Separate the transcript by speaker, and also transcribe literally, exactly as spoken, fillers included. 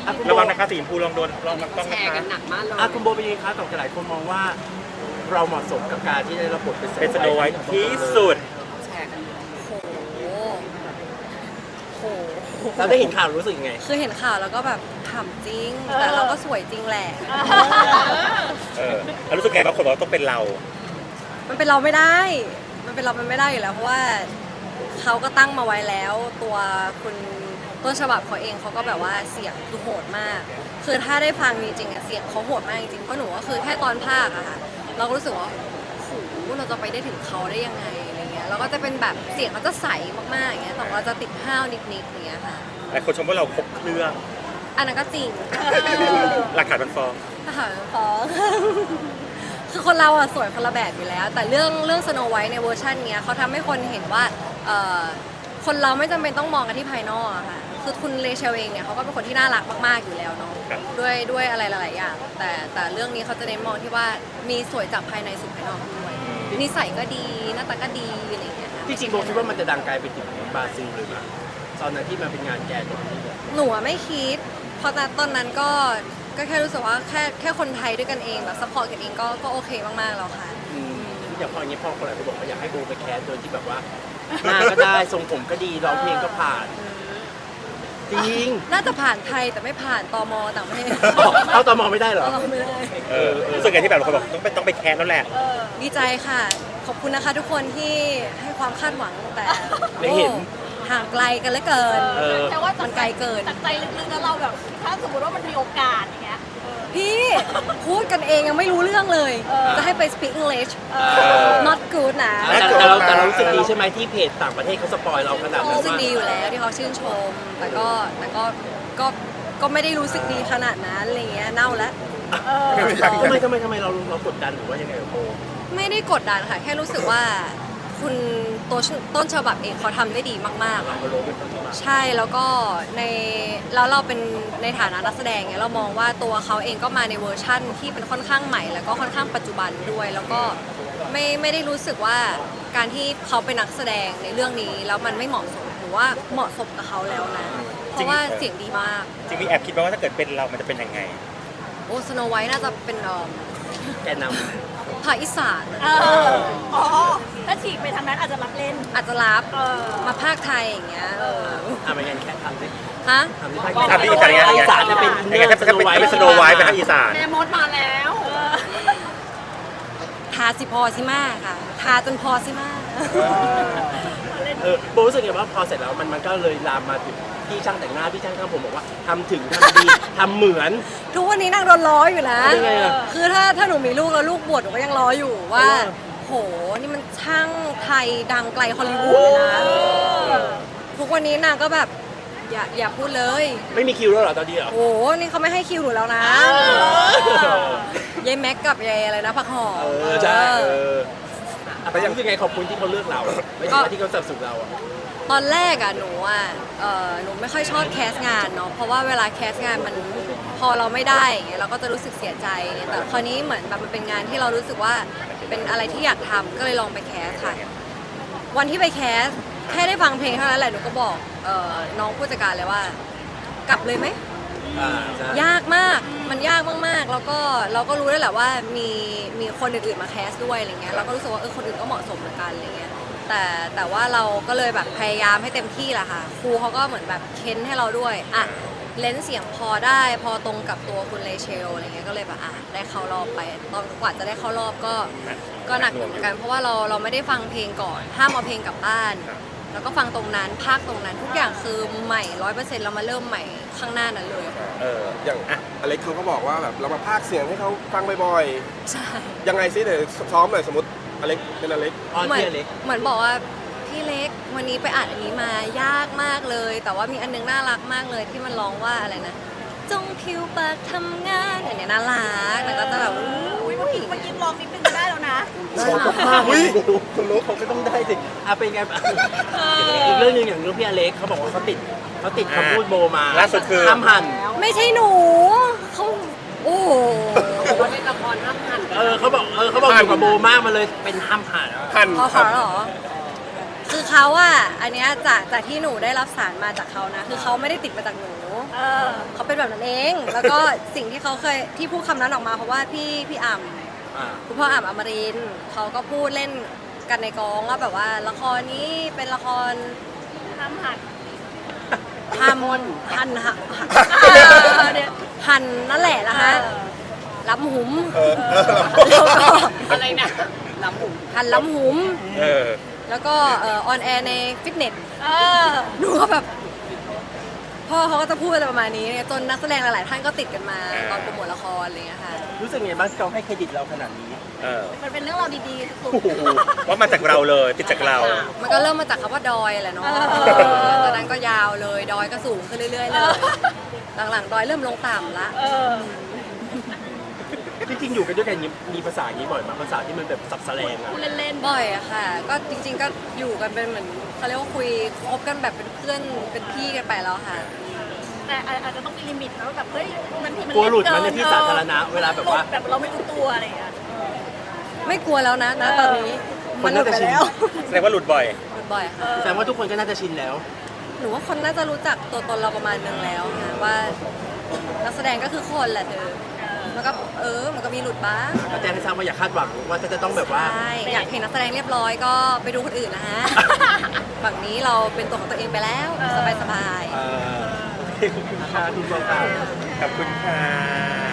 Speaker 1: ระวังนะคะสีชมพูลองโดนลองต้อง
Speaker 2: แช
Speaker 1: นะ
Speaker 2: ร์กั
Speaker 1: คะ
Speaker 2: นหนักมากเลย
Speaker 3: อ่ะคุณโบเป็นยังไงคะต่อจากหลายคนมองว่า เราเหมาะสมกับการที่ได้รับบทเป็น
Speaker 1: เป็นสโนไวท์ที่สุด
Speaker 2: แชร์กันโหโห
Speaker 3: เราได้เห็นข่าวรู้สึกยังไง
Speaker 4: คือเห็นข่าวแล้วก็แบบถามจริง แต่เราก็สวยจริงแหละ
Speaker 1: เออแล้วรู้สึกไงบางคนบอกว่าต้องเป็นเรา
Speaker 4: มันเป็นเราไม่ได้ มันเป็นเรามันไม่ได้อยู่แล้ว เพราะว่าเขาก็ตั้งมาไว้แล้ว ตัวคุณต้นฉบับเขาเองเขาก็แบบว่าเสียงคือโหดมาก คือถ้าได้ฟังจริงๆอะเสียงเขาโหดมากจริงๆเพราะหนูก็คือแค่ตอนภาคอะค่ะเราก็รู้สึกว่าโหเราจะไปได้ถึงเขาได้ยังไงอะไรเงี้ยเราก็จะเป็นแบบเสียงเขาจะใสมากๆอย่างเงี้ยแต่เราจะติดห้าวนิดๆอย่างเงี้ยค่ะ
Speaker 1: หลายคนชมว่าเราครบเครื่อง
Speaker 4: อันนั้นก็จริง
Speaker 1: หลักฐานมันฟ้อง
Speaker 4: ทหารฟ้อง คือคนเราอะสวยคนละแบบอยู่แล้ว แต่เรื่องเรื่องสโนไวท์ในเวอร์ชันเนี้ยเขาทำให้คนเห็นว่าเอ่อคนเราไม่จำเป็นต้องมองกันที่ภายนอกอะค่ะคือคุณเลเชลเองเนี่ยเขาก็เป็นคนที่น่ารักมากๆอยู่แล้วเนาะ
Speaker 1: ครับ
Speaker 4: ด้วยด้วยอะไรหลายๆอย่าง แต่แต่เรื่องนี้เขาจะเน้นมองที่ว่ามีสวยจากภายในสู่ภายนอกด้วยนิสัยก็ดีหน้าตาก็ดีอะไรอย่างเงี้ยค่ะ
Speaker 3: ที่จริงโบคิดว่ามันจะดังไกลไปถึงบราซิลเลยมั้ยตอนนั้นที่มันเป็นงานแกนตรงนี้
Speaker 4: หนูอะไม่คิด เพราะตอนนั้นก็ก็แค่รู้สึกว่าแค่แค่คนไทยด้วยกันเองแบบซัพพอร์ตกันเองก็ก็โอเคมากๆแล้วค่ะ
Speaker 3: อืมอย่างพออย่างนี้พ่อคนหลายคนบอกว่าอยากให้โบไปแคสโดยที่แบบว่าหน้าก็ได้ทรงผมก็ดีร้องเพลงก็ผ่าน จริง
Speaker 4: น่าจะผ่านไทยแต่ไม่ผ่านตมต่างประเทศ
Speaker 3: เข้าตมไม่ได้เหรอ
Speaker 4: เราไม่ได้
Speaker 1: เออรู้สึกไงที่แบบบางคนบอกต้องไปต้องไปแคสแล้วแหละ
Speaker 4: ดีใจค่ะ ขอบคุณนะคะทุกคนที่ให้ความคาดหวังแต่
Speaker 3: ไม่เห็น
Speaker 4: โอ้ห่างไกลกันเหลือเกิน
Speaker 3: เออ
Speaker 5: แต่ว่า
Speaker 4: มันไกลเกิน
Speaker 5: จากใจลึกๆแล้วเราแบบ ถ้าสมมติว่ามันมีโอกาสอย่างเงี้ย
Speaker 4: พี่พูดกันเองยังไม่รู้เรื่องเลย จะให้ไป speak English not good นะ
Speaker 3: แต่แต่เราแต่เรารู้สึกดีใช่ไหมที่เพจต่างประเทศเขาสปอยเราขนาดนั้น
Speaker 4: รู้สึก
Speaker 3: ว่า
Speaker 4: ดีอยู่แล้วที่เขาชื่นชม แต่ก็แต่ก็ก็ก็ไม่ได้รู้สึกดีขนาดนั้นอะไรเงี้ยเน่าแล้ว
Speaker 3: ทำไมทำไมทำไมเราเรากดดันหรือว่ายังไงกับโบ
Speaker 4: ไม่ได้กดดันค่ะ แค่รู้สึกว่าคุณตัวต้นฉบับเองเขาทำได้ดีมากๆ
Speaker 3: เรา
Speaker 4: อะ
Speaker 3: ก็รู้เป็นคนที่มา
Speaker 4: ใช่แล้วก็ในแล้วเราเป็นในฐานะนักแสดงเนี่ยเรามองว่าตัวเขาเองก็มาในเวอร์ชั่นที่เป็นค่อนข้างใหม่ แล้วก็ค่อนข้างปัจจุบันด้วย แล้วก็ไม่ไม่ได้รู้สึกว่าการที่เขาเป็นนักแสดงในเรื่องนี้แล้วมันไม่เหมาะสมหรือว่าเหมาะสมกับเขาแล้วนะเพราะว่าเสียงดีมาก
Speaker 1: จริงมีแอบคิดว่าถ้าเกิดเป็นเรามันจะเป็นยังไง
Speaker 4: โอ้สโนไวท์น่าจะเป็นเอ่อ
Speaker 3: แกนน
Speaker 4: ภาคอีสาน
Speaker 5: เออ อ๋อ ถ้าฉีกไปทางนั้นอาจจะรับเล่น
Speaker 4: อาจจะรับ
Speaker 5: เออ
Speaker 4: มาภาคไทยอย่างเงี้ยเออ
Speaker 3: ำทำยังไงแค่ทำสิ
Speaker 4: ฮะ
Speaker 3: ทำที่ภาค
Speaker 1: ทำที่อีสานยังไง
Speaker 3: อีสานจะเป็น
Speaker 1: ยังไงถ้าเป็นถ้าเป็นสโนไวท์เป็นทางอีสาน
Speaker 5: แม่มดมาแล้ว
Speaker 4: ทาสิพอสิมาค่ะ ทาจนพอสิมา
Speaker 3: เออโบรู้สึกไงว่าพอเสร็จแล้วมันมันก็เลยลามมาถึงพี่ช่างแต่งหน้าพี่ช่างทำผมบอกว่าทำถึงทำดี ทำเหมือน
Speaker 4: ทุกวันนี้นางโดนล้ออยู่นะ
Speaker 3: ยังไงอะ
Speaker 4: คือถ้าถ้าหนูมีลูกแล้วลูกบวชหนูก็ยังล้ออยู่ว่า
Speaker 3: เออ
Speaker 4: โห นี่มันช่างไทยดังไกลฮอลลีวูดเลยนะ ทุกวันนี้นางก็แบบ อย่าอย่าพูดเลย
Speaker 3: ไม่มีคิวแล้วเหรอตอนนี้เหรอ
Speaker 4: โอ้โหนี่เขาไม่ให้คิวหนูแล้วนะยายแม็กกับยายอะไรนะผักหอม
Speaker 3: เออใช่เอออ่ะแต่ยังรู้สึกไงขอบคุณที่เขาเลือกเราไม่ใช่ว่าที่เขาสนับสนุนเราอ่ะ
Speaker 4: ตอนแรกอะหนูอะเออหนูไม่ค่อยชอบแคสงานเนาะ เพราะว่าเวลาแคสงานมันพอเราไม่ได้อย่างเงี้ยเราก็จะรู้สึกเสียใจ แต่คราวนี้เหมือนแบบมันเป็นงานที่เรารู้สึกว่าเป็นอะไรที่อยากทำก็เลยลองไปแคสค่ะ วันที่ไปแคสแค่ได้ฟังเพลงเท่านั้นแหละหนูก็บอกเออน้องผู้จัดการเลยว่า กลับเลยไหม
Speaker 3: อ่าใช่
Speaker 4: ยากมาก มันยากมากๆ แล้วก็เราก็รู้ได้แหละว่ามีมีคนอื่นๆมาแคสด้วยอะไรเงี้ย เราก็รู้สึกว่าเออคนอื่นก็เหมาะสมเหมือนกันอะไรเงี้ย แต่แต่ว่าเราก็เลยแบบพยายามให้เต็มที่แหละค่ะ ครูเขาก็เหมือนแบบเค้นให้เราด้วย อ่ะ เลนส์เสียงพอได้ พอตรงกับตัวคุณเลเชลอะไรเงี้ย ก็เลยแบบอ่ะได้เข้ารอบไป ตอนกว่าจะได้เข้ารอบก็ก็หนักอยู่เหมือนกัน เพราะว่าเราเราไม่ได้ฟังเพลงก่อน ห้ามเอาเพลงกลับบ้าน แล้วก็ฟังตรงนั้นภาคตรงนั้น ทุกอย่างคือใหม่ร้อยเปอร์เซ็นต์เรามาเริ่มใหม่ข้างหน้านั้นเลย
Speaker 1: เออ
Speaker 6: อย่างอเล็กเขาก็บอกว่าแบบเรามาพากย์เสียงให้เขาฟังบ่อย
Speaker 4: ใช่
Speaker 6: ๆ ยังไงซิเดี๋ยวซ้อมหน่อยสมมติอเล็กเป็นอเล็ก
Speaker 3: ออน
Speaker 4: เหมือน
Speaker 3: เทียเล็ก
Speaker 4: เหมือนบอกว่าพี่เล็กวันนี้ไปอ่านอันนี้มายากมากเลย แต่ว่ามีอันนึงน่ารักมากเลยที่มันร้องว่าอะไรนะ จงผิวปากทำงานอันเนี้ยน่ารักแต่ก็จะแบบอุ้ย
Speaker 5: เมื่อกี้เมื่อกี้ลองนิดนึงก็ได้แล้วนะ
Speaker 3: ชอบมากเลยคุณรู้เขาก็ต้องได้สิอ่ะเป็นไงบ้างอีกเรื่องหนึงอย่างเรื่องพี่อเล็กเขาบอกว่าเขาติดเขาติดคำพูดโบมา
Speaker 1: ล่าสุดคือ
Speaker 3: ห้ามหัน
Speaker 4: ไม่ใช่หนูเขาโอ้โห
Speaker 2: ว่าเล่นละครห้ามหัน
Speaker 3: เออเขาบอกเออเขาบอกอยู่กับโบมากมันเลยเป็นห้ามหัน
Speaker 6: หัน
Speaker 4: พอขอเหรอ คือเขาอะอันเนี้ยจากจากที่หนูได้รับสารมาจากเขานะ คือเขาไม่ได้ติดมาจากหนู
Speaker 5: เอเออ
Speaker 4: เขาเป็นแบบนั้นเอง แล้วก็สิ่งที่เขาเคยที่พูดคำนั้นออกมาเพราะว่าพี่พี่อ่ำ
Speaker 3: อ่า
Speaker 4: คุณพ่ออ่ำอมรินทร์เขาก็พูดเล่นกันในกองว่าแบบว่าละครนี้เป็นละคร
Speaker 5: ห้ามหัน
Speaker 4: ทำหันหันหันนั่นแหละนะคะล้ำหุม
Speaker 6: เออเออ
Speaker 4: แล้วก็
Speaker 2: อะไรนะน้ำหมู
Speaker 4: หันล้ำหุม
Speaker 1: เออ
Speaker 4: แล้วก็เออนแอร์ในฟิตเนส
Speaker 5: เออ
Speaker 4: หนูก็แบบพ่อเขาก็จะพูดอะไรประมาณนี้จนนักแสดงหลาย ๆ ท่านก็ติดกันมาตอนโปรโมทละครอะไรอย่างเงี้ยค่ะ
Speaker 3: รู้สึกไงบ้างที่เขาให้เครดิตเราขนาดนี้
Speaker 1: เออ
Speaker 5: มันเป็นเรื่องราวดีๆสุด
Speaker 3: โอ้โห
Speaker 1: ว่ามาจากเราเลยติดจากเรา
Speaker 4: มันก็เริ่มมาจากคำว่าดอยแหละเนาะ
Speaker 5: เออ
Speaker 4: จากนั้นก็ยาวเลย ดอยก็สูงขึ้นเรื่อย ๆ เลย หลัง ๆ ดอยเริ่มลงต่ำละ
Speaker 5: เออ
Speaker 3: จริงๆอยู่กันด้วยกันมีมีภาษาอย่างนี้บ่อยไหมภาษาที่มันแบบสับแสลงอะ
Speaker 5: พูดเล่น
Speaker 4: บ่อยอะค่ะ ก็จริง ๆ ก็อยู่กันเป็นเหมือนเขาเรียกว่าคุยคบกันแบบเป็นเพื่อนเป็นพี่กันไปแล้วค่ะ
Speaker 5: ๆแต่อาจจะต้องมีลิมิตนะแบบเฮ้ยมันทีมัน
Speaker 3: กลัวหลุด
Speaker 5: เกิ
Speaker 3: มันในที่สาธารณะเวลาแบบว่า
Speaker 5: หลุดแบบเราไม่รู้ตัวอะไรอย่างเงี้ย
Speaker 4: ไม่กลัวแล้วนะนะตอนนี้ มันหลุดไปแล้ว
Speaker 1: แสดงว่าหลุดบ่อย
Speaker 4: หลุดบ่อยค่ะ
Speaker 3: แสดงว่าทุกคนก็น่าจะชินแล้ว
Speaker 4: หนูว่าคนน่าจะรู้จักตัวตนเราประมาณนึงแล้วค่ะว่านักแสดงก็คือคนแหละเธอมันก็เออมันก็มีหลุดบ้าง
Speaker 3: ก็แจ้งให้ทราบว่าอย่าคาดหวังว่าจะต้องแบบว่า
Speaker 4: ใช่อยากเห็นนักแสดงเรียบร้อยก็ไปดูคนอื่นนะ ฮะ ฝั่งนี้เราเป็นตัวของตัวเองไปแล้ว สบายสบายๆ
Speaker 3: เอ่อขอบคุณค่ะคุณบอลค่ะ
Speaker 1: ขอบคุณค่ะ